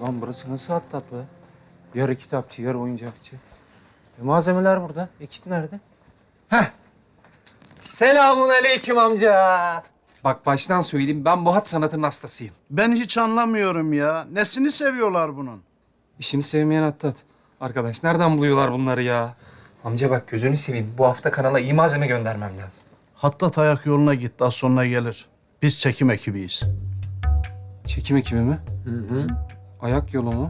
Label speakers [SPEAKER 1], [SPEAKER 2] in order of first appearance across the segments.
[SPEAKER 1] Lan burası nasıl Hattat be? Yarı kitapçı, yarı oyuncakçı. Malzemeler burada. Ekip nerede? Heh. Selamun aleyküm amca. Bak baştan söyleyeyim, ben bu hat sanatının hastasıyım.
[SPEAKER 2] Ben hiç anlamıyorum ya. Nesini seviyorlar bunun?
[SPEAKER 1] İşini sevmeyen Hattat. Arkadaş nereden buluyorlar bunları ya? Amca bak gözünü seveyim. Bu hafta kanala iyi malzeme göndermem lazım.
[SPEAKER 2] Hattat ayak yoluna gitti, az sonra gelir. Biz çekim ekibiyiz.
[SPEAKER 1] Çekim ekibi mi? Hı. Ayak yolu mu?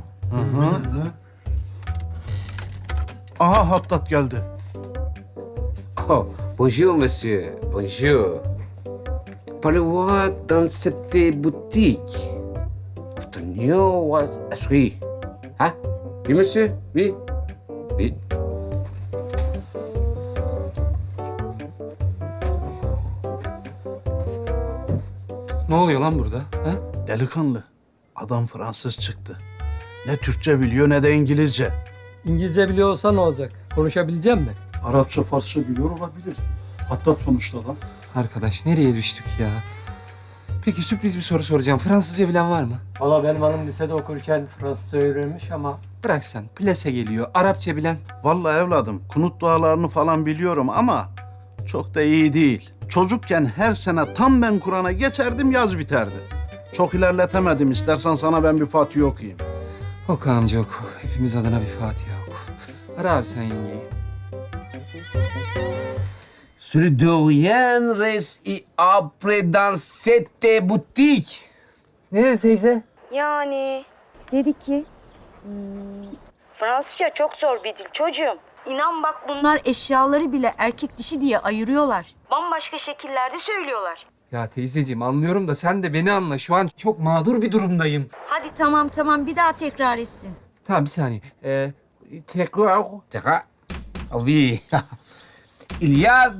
[SPEAKER 2] Aha Hattat geldi.
[SPEAKER 3] Oh, bonjour, monsieur. Bonjour. Parlez-moi dans cette boutique. Obtenir oui. Hein? Oui, monsieur? Oui. Oui.
[SPEAKER 1] Ne oluyor lan burada? Ha?
[SPEAKER 2] Delikanlı. Adam Fransız çıktı. Ne Türkçe biliyor ne de İngilizce.
[SPEAKER 4] İngilizce biliyor olsa ne olacak? Konuşabilecek mi?
[SPEAKER 5] Arapça, Farsça biliyor olabilir. Hatta sonuçta da.
[SPEAKER 1] Arkadaş nereye düştük ya? Peki sürpriz bir soru soracağım. Fransızca bilen var mı?
[SPEAKER 4] Valla benim hanım lisede okurken Fransızca öğrenmiş ama...
[SPEAKER 1] Bırak sen. Plase geliyor. Arapça bilen.
[SPEAKER 2] Vallahi evladım, kunut dualarını falan biliyorum ama çok da iyi değil. Çocukken her sene tam ben Kur'an'a geçerdim, yaz biterdi. Çok ilerletemedim. İstersen sana ben bir Fatiha okuyayım.
[SPEAKER 1] Oku amca oku. Hepimiz adına bir Fatiha oku. Ara abi sen yengeyi.
[SPEAKER 3] Celui de rien reste après dans cette boutique.
[SPEAKER 1] Ne dedi teyze?
[SPEAKER 6] Yani dedi ki Fransızca çok zor bir dil çocuğum. İnan bak bunlar eşyaları bile erkek dişi diye ayırıyorlar. Bambaşka şekillerde söylüyorlar.
[SPEAKER 1] Ya teyzeciğim anlıyorum da sen de beni anla. Şu an çok mağdur bir durumdayım.
[SPEAKER 6] Hadi tamam bir daha tekrar etsin.
[SPEAKER 1] Tamam bir saniye. Tekrar.
[SPEAKER 3] Terra. Ah oui. Il y a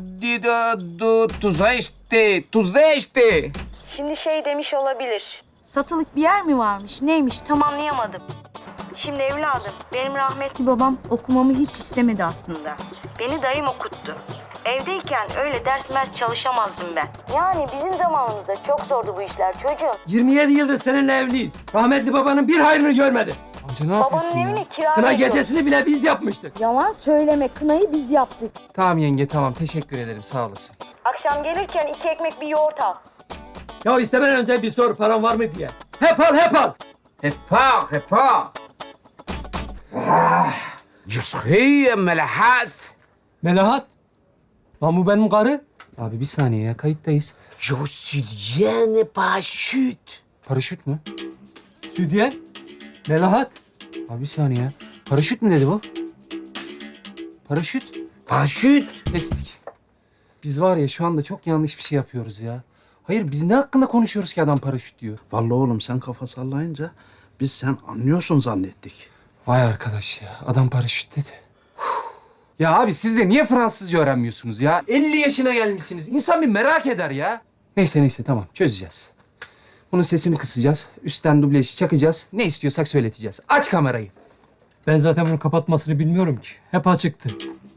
[SPEAKER 3] tous este.
[SPEAKER 6] Şimdi şey demiş olabilir. Satılık bir yer mi varmış neymiş tam anlayamadım. Şimdi evladım benim rahmetli babam okumamı hiç istemedi aslında. Beni dayım okuttu. Evdeyken öyle ders mers çalışamazdım ben. Yani bizim zamanımızda çok zordu bu işler çocuğum.
[SPEAKER 4] 27 yıldır seninle evliyiz. Rahmetli babanın bir hayrını görmedi.
[SPEAKER 1] Amca ne yapıyorsun
[SPEAKER 6] Babanın
[SPEAKER 1] ya?
[SPEAKER 6] evini kira
[SPEAKER 4] Kına
[SPEAKER 6] veriyor.
[SPEAKER 4] gecesini bile biz yapmıştık.
[SPEAKER 6] Yalan söyleme kınayı biz yaptık.
[SPEAKER 1] Tamam yenge tamam. Teşekkür ederim. Sağ olasın.
[SPEAKER 6] Akşam gelirken 2 ekmek bir yoğurt al.
[SPEAKER 4] Ya istemeden önce bir sor paran var mı diye. Hep al.
[SPEAKER 3] Repars. Ah, je suis Melahat.
[SPEAKER 4] Melahat. Lan bu benim karı.
[SPEAKER 1] Abi bir saniye ya. Kayıttayız.
[SPEAKER 3] Je suis bien parachute.
[SPEAKER 1] Paraşüt mü?
[SPEAKER 4] Südyen. Melahat.
[SPEAKER 1] Abi bir saniye ya. Paraşüt mü dedi bu? Paraşüt.
[SPEAKER 3] Parachute.
[SPEAKER 1] Kestik. Biz var ya şu anda çok yanlış bir şey yapıyoruz ya. Hayır biz ne hakkında konuşuyoruz ki adam paraşüt diyor.
[SPEAKER 2] Vallahi oğlum sen kafa sallayınca biz sen anlıyorsun zannettik.
[SPEAKER 1] Vay arkadaş ya adam paraşüt dedi. Ya abi siz de niye Fransızca öğrenmiyorsunuz ya? 50 yaşına gelmişsiniz. İnsan bir merak eder ya. Neyse tamam çözeceğiz. Bunun sesini kısacağız. Üstten dublajı çakacağız. Ne istiyorsak söyleteceğiz. Aç kamerayı.
[SPEAKER 4] Ben zaten bunu kapatmasını bilmiyorum ki. Hep açıktı.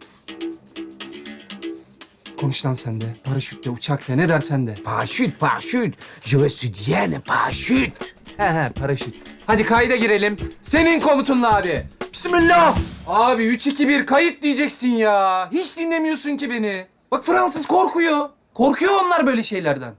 [SPEAKER 1] Konuş lan sen de. Paraşütle, uçakla ne dersen de.
[SPEAKER 3] Parachute. Je suis bien parachute.
[SPEAKER 1] He paraşüt. Hadi kayda girelim. Senin komutunla abi. Bismillah. Abi 3-2-1 kayıt diyeceksin ya. Hiç dinlemiyorsun ki beni. Bak Fransız korkuyor. Korkuyor onlar böyle şeylerden.